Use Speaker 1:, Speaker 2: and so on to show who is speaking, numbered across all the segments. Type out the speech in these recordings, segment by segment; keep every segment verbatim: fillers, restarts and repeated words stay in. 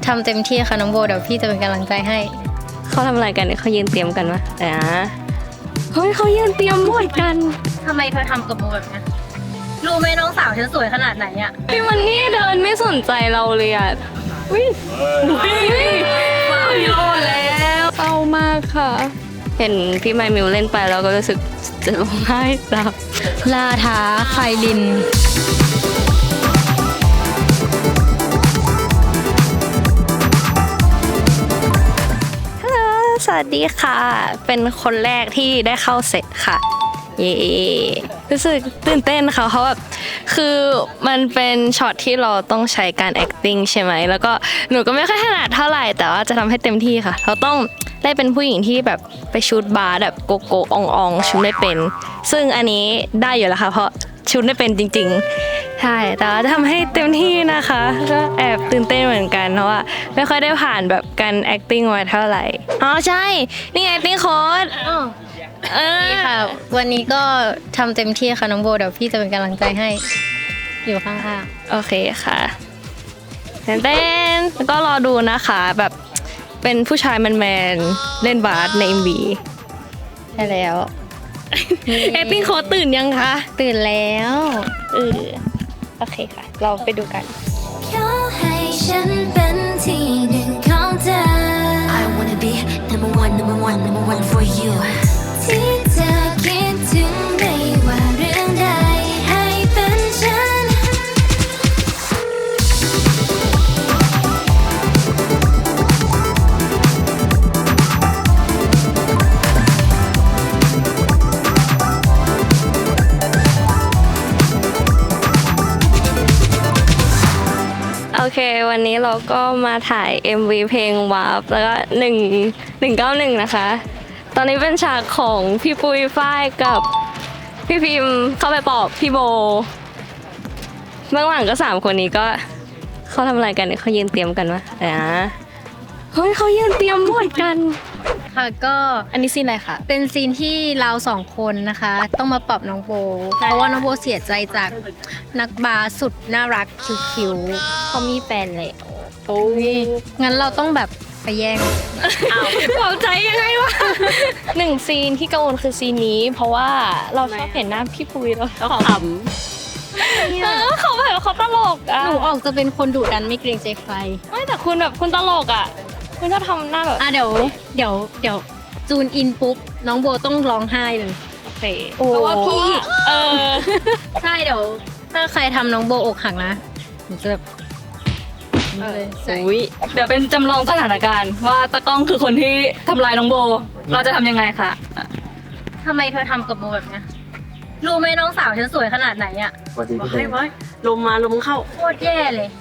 Speaker 1: ทำเต็มที่ค่ะน้องโบเดี๋ยวพี่จะเป็นกำลังใจให้
Speaker 2: เขาทำอะไรกันเนี่ยเขายืนเตรียมกันวะอ่าเฮ้ยเขายืนเตรียมบวชกัน
Speaker 1: ทำไมเธอทำกับโบแบบนี้รู้ไหมน้องสาวฉันสวยขนาดไหนอ่ะ
Speaker 2: พี่มันนี่เดินไม่สนใจเราเลยอ่ะวิ่งวิ่งโยนแล้วเศร้ามากค่ะเห็นพี่ไมมิวเล่นไปแล้วก็รู้สึกจะร้องไห้ตาม
Speaker 1: ลาท้าไฟลิน
Speaker 2: สวัสดีค่ะเป็นคนแรกที่ได้เข้าเซตค่ะเย้รู้สึกตื่นเต้นค่ะเพราะแบบคือมันเป็นช็อตที่เราต้องใช้การ acting ใช่ไหมแล้วก็หนูก็ไม่ค่อยถนัดเท่าไหร่แต่ว่าจะทำให้เต็มที่ค่ะเราต้องได้เป็นผู้หญิงที่แบบไปชูดบาร์แบบโกโก้อองอองชูดไม่เป็นซึ่งอันนี้ได้อยู่แล้วค่ะเพราะชูดไม่เป็นจริงๆใช่แต่ว่าจะทำให้เต็มที่นะคะก็แอบตื่นเต้นเหมือนกันเพราะว่าไม่ค่อยได้ผ่านแบบการ acting มาเท่าไหร่อ๋อใช่นี่ไง acting coach
Speaker 1: เออค่ะวันนี้ก็ทำเต็มที่ค่ะน้องโบเดี๋ยวพี่จะเป็นกำลังใจให้อยู่ข้าง
Speaker 2: ๆโอเคค่ะเต้นเต้นแล้วก็รอดูนะคะแบบเป็นผู้ชายแมนๆเล่นบาสใน เอ็ม วี
Speaker 1: ใช่แล้ว
Speaker 2: เอปปิ้งโค้ดตื่นยังคะ
Speaker 1: ตื่นแล้ว
Speaker 2: เออโอเคค่ะเราไปดูกัน
Speaker 3: ขอให้ฉันเป็นที่หนึ่งของเธอ I wanna be number one number one number one for you ที่เธอคิดถึงไม่ว่าเรื่องใดให้เป็นฉัน
Speaker 2: โอเควันนี้เราก็มาถ่าย เอ็ม วี เพลงวาร์ปแล้วก็หนึ่ง หนึ่งเก้าหนึ่งนะคะตอนนี้เป็นฉากของพี่ปุ้ยฝ้ายกับพี่พิมพ์เข้าไปปอบพี่โบเบื้องหลังก็สามคนนี้ก็เขาทำอะไรกันเนี่ยเขายืนเตรียมกันวะอ่าเฮ้ยเขายืนเตรียมบวชกัน
Speaker 1: ค่ะก็
Speaker 2: อันนี้ซีนอะไรคะ
Speaker 1: เป็นซีนที่เราสองคนนะคะต้องมาปรับน้องโบเพราะว่าน้องโบเสียใจจากนักบาสสุดน่ารักคิวๆ
Speaker 2: เขามีแฟนเลย
Speaker 1: โอ้ยงั้นเราต้องแบบไปแย่ง
Speaker 2: อ้าวเบาใจยังไงวะหนึ่งซีนที่กังวลคือซีนนี้เพราะว่าเราชอบเห็นหน้าพี่ปุ้ยแล้วเขาขำเออเขาแบบเขาตลกอ่ะ
Speaker 1: หนูออกจะเป็นคนดุดันไม่เกรงใจใคร
Speaker 2: ไม่แต่คุณแบบคุณตลกอ่ะคุณชอบทำหน้าแบบ
Speaker 1: อ่ะเดี๋ยวเดี๋ยวเดี๋ยวจูนอินปุ๊บน้องโบต้องร้องไห้เลย
Speaker 2: โอเค
Speaker 1: เพราะว่าพี่
Speaker 2: เออ
Speaker 1: ใช่เดี๋ยวถ้าใครทำน้องโบอกหักนะหนูจะแบบ
Speaker 2: อุ้ยเดี๋ยวเป็นจำลองสถานการณ์ว่าตะก้องคือคนที่ทำลายน้องโบเราจะทำยังไงคะ
Speaker 1: ทำไมเธอทำกับโบแบบนี้รู้ไหมน้องสาวฉันสวยขนาดไหนอ่ะ
Speaker 2: ไม่ไว้ลมมาลมเข้า
Speaker 1: โคตรแย่เลย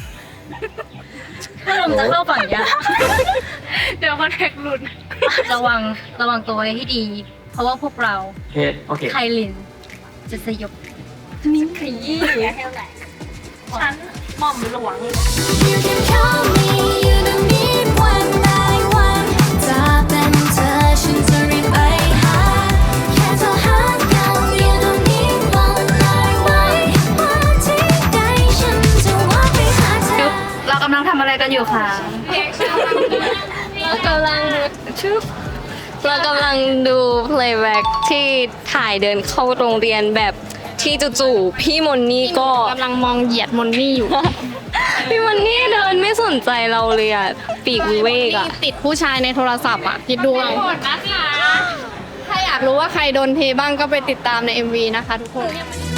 Speaker 1: ถ้าลมจะเข้าฝั่งเนี้ย
Speaker 2: เดี๋ยวคอนแทคหลุด
Speaker 1: ระวังระวังตัวไว้ให้ดีเพราะว่าพวกเราไคลินจะสยบ
Speaker 2: นิ้วขยี้ฉันหม่อมหลวง
Speaker 3: You can call me you don't need one by one จะเป็นเธอฉันจะรีบไปหาแค่เธอหากัน You don't need one by one ว่าที่ใดฉันจะว่าไปหาเธอ
Speaker 2: เรากำลังทำอะไรกันอยู่คะ
Speaker 1: เรากำลัง
Speaker 2: ชุบเรากำลังดู playback ที่ถ่ายเดินเข้าโรงเรียนแบบที่จู่ๆพี่มนนี่ก็
Speaker 1: กำลังมองเหยียดมนนี่อยู่
Speaker 2: พี่มนนี่เดินไม่สนใจเราเลยอ่ะปีกวิเวกอ่ะ
Speaker 1: ติดผู้ชายในโทรศัพท์อ่ะคิดดูเอาถ้าอยากรู้ว่าใครโดนเทบ้างก็ไปติดตามใน เอ็ม วี นะคะทุกคน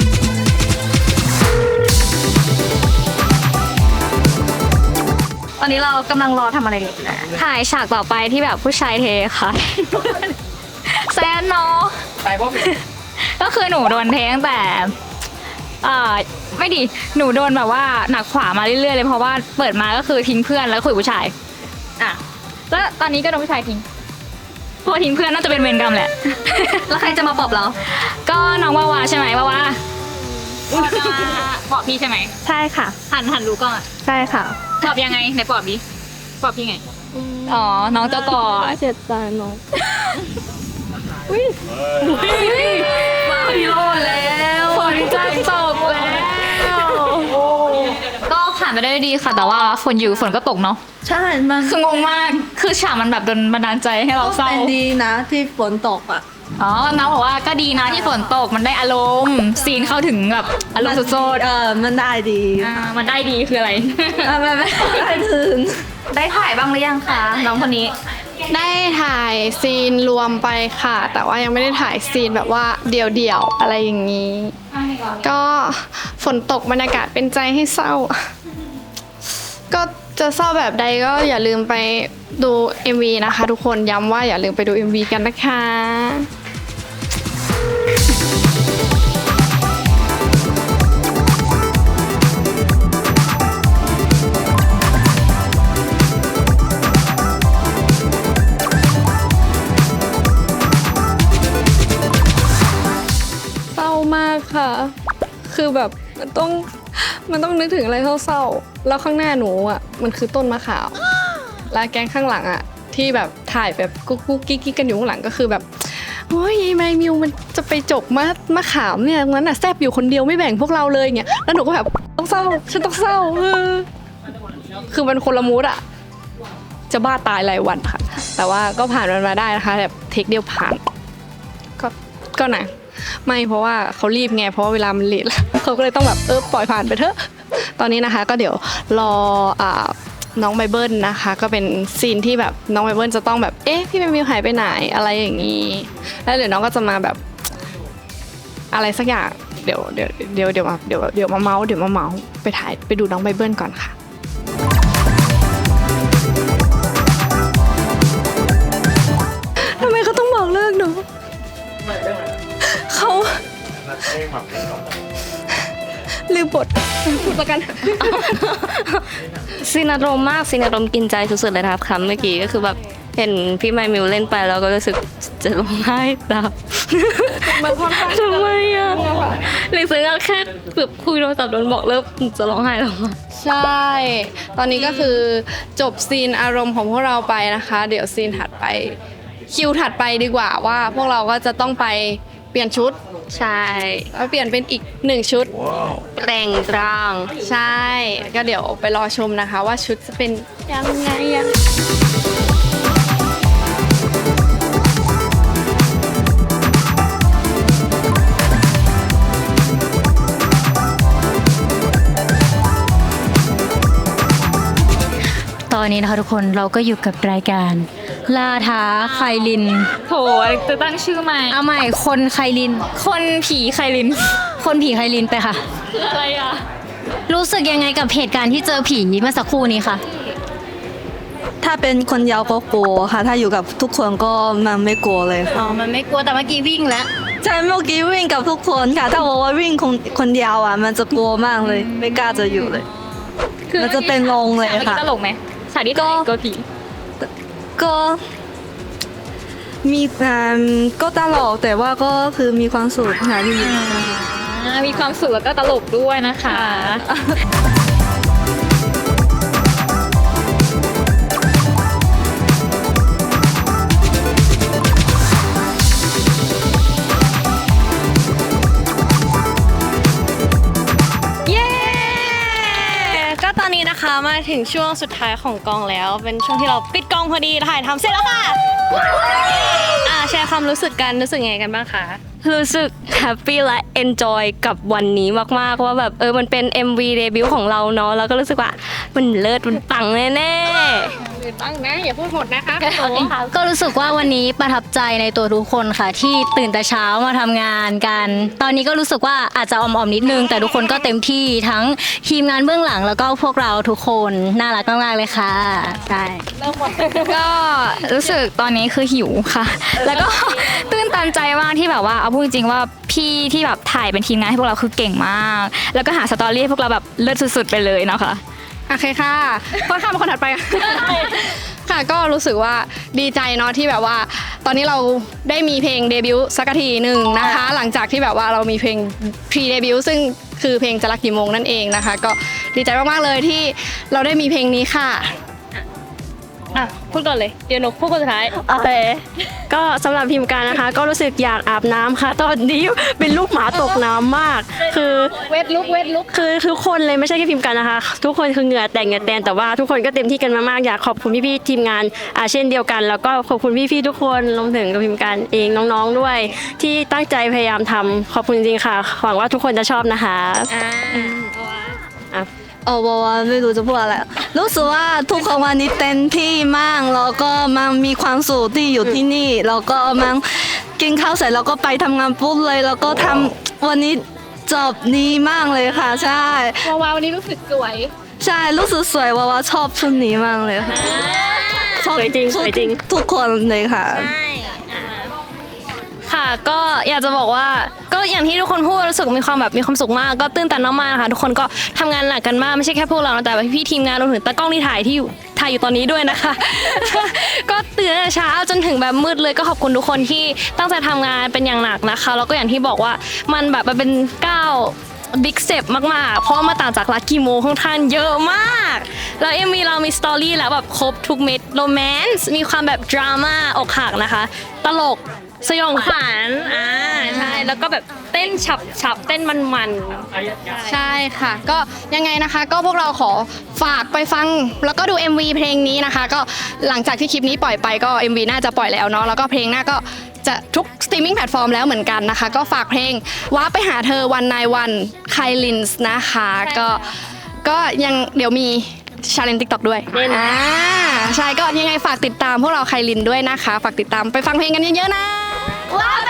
Speaker 2: ตอนนี้เรากำลังรอทำอะไรอยู่ถ่ายฉากต่อไปที่แบบผู้ชายเทค่ะแซนเนาะไปพวกก็คือหนูโดนเทตั้งแต่อ่าไม่ดีหนูโดนแบบว่าหนักขวามาเรื่อยๆเลยเพราะว่าเปิดมาก็คือทิ้งเพื่อนแล้วคุยผู้ชายอ่ะแล้วตอนนี้ก็โดนผู้ชายทิ้งพอทิ้งเพื่อนน่าจะเป็นเวรกรรมแหละแล้วใครจะมาปลอบเราก็น้องวาวาใช่ไหมวาวาปลอบพี่ใช่ไหมใช่ค่ะหันหันรู้ก่อนใช่ค่ะปลอบยังไงไหนปลอบดิปลอบพี่ไงอ๋อน้องเจ้ากอดเจ็บใจน้องอุ้ยมาพี่โลดแล้วฝนจะตกแล้วก็ผ่าน
Speaker 4: ไปได้ด้วยดีค่ะ แต่ว่าฝนอยู่ฝนก็ตกเนาะ
Speaker 5: ใช่มัน
Speaker 4: คืองงมากคือฉากมันแบบโดนบันดาลใจให้เราเศร้า
Speaker 5: เป็นดีนะที่ฝนตกอ่ะ
Speaker 4: อ๋อน้องบอกว่าก็ดีนะที่ฝนตกมันได้อารมณ์ซีนเข้าถึงแบบอารมณ์สุด
Speaker 5: เออมันได้ดี
Speaker 4: ๆอ่ามันได้ดีคืออะไร
Speaker 5: เออมันไม่ได้ถึง
Speaker 4: ได้ถ่ายบ้างหรือยังคะน้องคนนี้
Speaker 6: ได้ถ่ายซีนรวมไปค่ะ แต่ว่ายังไม่ได้ถ่ายซีนแบบว่าเดี่ยวๆอะไรอย่างนี้ ก็ฝนตกบรรยากาศเป็นใจให้เศร้า ก็จะเศร้าแบบใดก็อย่าลืมไปดู เอ็ม วี นะคะ ทุกคนย้ำว่าอย่าลืมไปดู เอ็ม วี กันนะคะ เศร้ามากค่ะ คือแบบมันต้องมันต้องนึกถึงอะไรเศร้าๆ แล้วข้างหน้าหนูอ่ะมันคือต้นมะขาม แล้วแก๊งข้างหลังอ่ะที่แบบถ่ายแบบกุ๊กกุ๊กกิ๊กกิ๊กกันอยู่ข้างหลังก็คือแบบโอ้ยยายแมมิวมันจะไปจกมะมะขามเนี่ยงั้นอ่ะแซบอยู่คนเดียวไม่แบ่งพวกเราเลยเงี้ย แล้วหนูก็แบบต้องเศร้าฉันต้องเศร้าเออคือมันคนละมูดอ่ะ จะบ้าตายรายวันค่ะ แต่ว่าก็ผ่านมันมาได้นะคะแบบเทคเดียวผ่าน ก็ก็นะไม่เพราะว่าเขารีบไงเพราะว่าเวลามันเลทแล้ว เขาก็เลยต้องแบบเออปล่อยผ่านไปเถอะตอนนี้นะคะก็เดี๋ยวรออ่าน้องไบเบิลนะคะก็เป็นซีนที่แบบน้องไบเบิลจะต้องแบบเอ๊ะพี่แมมิวหายไปไหนอะไรอย่างนี้แล้วเดี๋ยวน้องก็จะมาแบบอะไรสักอย่างเดี๋ยวเดี๋ยวเดี๋ยวเดี๋ยวมาเดี๋ยวเดี๋ยวมาเมาส์เดี๋ยวมาเมาส์ไปถ่ายไปดูน้องไบเบิลก่อนค่ะทำไมเขาต้องบอกเลิกหนูเขาลืมบทพูดประกัน
Speaker 2: ซีนอารมณ์มากซีนอารมณ์กินใจสุดๆเลยนะครับคำเมื่อกี้ก็คือแบบเห็นพี่ไมมิวเล่นไปแล้วก็รู้สึกจะร้องไห้ตาม
Speaker 6: มันค่อนข้าง
Speaker 2: ทำไมอ่ะหรือซื้อแค่แบบคุยโทรศัพท์โดนบอกเลิกจะร้องไห้แล้วอะ
Speaker 6: ใช่ ตอนนี้ก็คือจบซีนอารมณ์ของพวกเราไปนะคะ เดี๋ยวซีนถัดไปคิวถัดไปดีกว่าว่าพวกเราก็จะต้องไปเปลี่ยนชุด
Speaker 2: ใช่
Speaker 6: แล้วเปลี่ยนเป็นอีกหนึ่งชุด
Speaker 2: แต่งร่าง
Speaker 6: ใช่ ก็เดี๋ยวไปรอชมนะคะว่าชุดจะเป็นยังไงอะ
Speaker 1: ตอนนี้นะคะทุกคนเราก็อยู่กับรายการล่าท้าไคลิน
Speaker 4: โถจะตั้งชื่อใหม่
Speaker 1: เอาใหม่คนไคลิน
Speaker 4: คนผีไคลิน
Speaker 1: คนผีไคลินไปค่ะ
Speaker 4: คืออะไรอ่ะ
Speaker 1: รู้สึกยังไงกับเหตุการณ์ที่เจอผีเมื่อสักครู่นี้คะ
Speaker 5: ถ้าเป็นคนยาวก็กลัวค่ะ ถ้าอยู่กับทุกคนก็มันไม่กลัวเลย
Speaker 1: อ๋อมันไม่กลัวแต่เมื่อกี้วิ่งแล้ว
Speaker 5: ใช่เมื่อกี้วิ่งกับทุกคนค่ะ ถ้าบอกว่าวิ่งคนคนเดียวอ่ะ มันจะกลัวมากเลย ไม่กล้าจะอยู่เลย มันจะเป็นลงเลย
Speaker 4: ฉากเมื่อ
Speaker 5: ค่ะ
Speaker 4: กี้ตลกไหมฉากที่ก็ก็ผี
Speaker 5: ก็มีอ่าก็ตลกแต่ว่าก็คือมีความสุขค่ะที่อยู่
Speaker 4: อ่ามีความสุขแล้วก็ตลกด้วยนะคะ
Speaker 2: เย้ก็ตอนนี้นะคะมาถึงช่วงสุดท้ายของกองแล้ว เป็นช่วงที่เราปิดกองพอดีถ่ายทำเสร็จแล้วค่ะอ่าแชร์ความรู้สึกกันรู้สึกยังไงกันบ้างคะรู้สึกแฮปปี้และเอนจอยกับวันนี้มากๆว่าแบบเออมันเป็น เอ็ม วี เดบิวต์ของเราเนาะแล้วก็รู้สึกว่ามันเลิศมันปังแน่ๆ
Speaker 6: ตั้งนะอย่าพูดหมดนะคะ
Speaker 1: ก็รู้สึกว่าวันนี้ประทับใจในตัวทุกคนค่ะ ที่ตื่นแต่เช้ามาทำงานกัน ตอนนี้ก็รู้สึกว่าอาจจะอ่อมๆนิดนึง แต่ทุกคนก็เต็มที่ทั้งทีมงานเบื้องหลังแล้วก็พวกเราทุกคนน่ารักมากๆเลยค่ะใช่
Speaker 4: ก็รู้สึกตอนนี้คือหิวค่ะ แล้วก็ ตื้นตันใจมากที่แบบว่าเอาพูดจริงๆว่าพี่ที่แบบถ่ายเป็นทีมงานให้พวกเราคือเก่งมาก แล้วก็หาสตอรี่ให้พวกเราแบบเลิศสุดๆไปเลยเนาะค่ะ
Speaker 6: โอเคค่ะค่อนข้างเป็นคนถัดไป ค่ะก็รู้สึกว่าดีใจเนาะที่แบบว่า ตอนนี้เราได้มีเพลงเดบิวต์สักทีหนึ่งนะคะ หลังจากที่แบบว่าเรามีเพลงพรีเดบิวต์ซึ่งคือเพลงจะรักกี่โมงนั่นเองนะคะ ก็ดีใจมากๆเลยที่เราได้มีเพลงนี้ค่ะ
Speaker 2: อ่ะพูดก่อนเลยเดี๋ยวหนูพูดคนสุดท้าย
Speaker 7: โอเคก็สำหรับพิมพ์การนะคะ ก็รู้สึกอยากอาบน้ำค่ะ ตอนนี้เป็นลูกหมาตกน้ำมาก คือเวทลุกเวทลุกคือทุกคนเลยไม่ใช่แค่พิมพ์การนะคะ ทุกคนคือเหงื่อแต่งเหงื่อแตนแต่ว่าทุกคนก็เต็มที่กันมากๆอยากขอบคุณพี่ๆทีมงานอาเช่นเดียวกัน แล้วก็ขอบคุณพี่ๆทุกคนรวมถึงพิมพ์การเองน้องๆด้วย ที่ตั้งใจพยายามทำขอบคุณจริงๆค่ะหวังว่าทุกคนจะชอบนะคะอ่ะ
Speaker 5: เออวาวาไม่รู้จะพูดอะไรรู้สึกว่าทุกคนวันนี้เต็มที่มากแล้วก็มันมีความสุขที่อยู่ที่นี่แล้วก็มันกินข้าวเสร็จแล้วก็ไปทำงานปุ๊บเลยแล้วก็ทำวันนี้จบดีมากเลยค่ะใช่
Speaker 6: วาวาวันนี้รู้สึกสวย
Speaker 5: ใช่รู้สึกสวยวาวาชอบชุดนี้มากเลยค่ะชอบ
Speaker 7: สวยจริงสวยจริง
Speaker 5: ทุกคนเลยค่ะ
Speaker 2: ค่ะก็อยากจะบอกว่าก็อย่างที่ทุกคนพูดรู้สึกมีความแบบมีความสุขมากก็ตื้นตันมากๆนะคะทุกคนก็ทำงานหนักกันมากไม่ใช่แค่พวกเรานะแต่ว่าพี่ๆทีมงานรวมถึงตากล้องที่ถ่ายที่อยู่ถ่ายอยู่ตอนนี้ด้วยนะคะ ก็ตื่นตั้งแต่เช้าจนถึงแบบมืดเลยก็ขอบคุณทุกคนที่ตั้งใจทำงานเป็นอย่างหนักนะคะแล้วก็อย่างที่บอกว่ามันแบบมันเป็นก้าวบิ๊กสเต็ปมากๆเพราะว่ามาต่างจากลักกี้โมค่อนข้างเยอะมากแล้วเอ็มวีเรามีสตอรี่แล้วแบบครบทุกเม็ดโรแมนซ์มีความแบบดราม่าอกหักนะคะตลกสยองขวัญอ่าใช่แล้วก็แบบเต้นฉับฉับเต้นมันมัน
Speaker 6: ใช่ค่ะ ก็ยังไงนะคะ ก็พวกเราขอฝากไปฟัง แล้วก็ดู เอ็ม วี เพลงนี้นะคะ ก็หลังจากที่คลิปนี้ปล่อยไปก็ เอ็ม วี น่าจะปล่อยแล้วเนาะแล้วก็เพลงหน้าก็จะทุกสตรีมมิ่งแพลตฟอร์มแล้วเหมือนกันนะคะ ก็ฝากเพลงว้าไปหาเธอวันนายวันไคลินส์นะคะก็ก็ยังเดี๋ยวมีชาเลนติ๊กต็อกด้วยอ่าใช่ก็ยังไงฝากติดตามพวกเราไคลินด้วยนะคะ ฝากติดตามไปฟังเพลงกันเยอะๆนะว้าว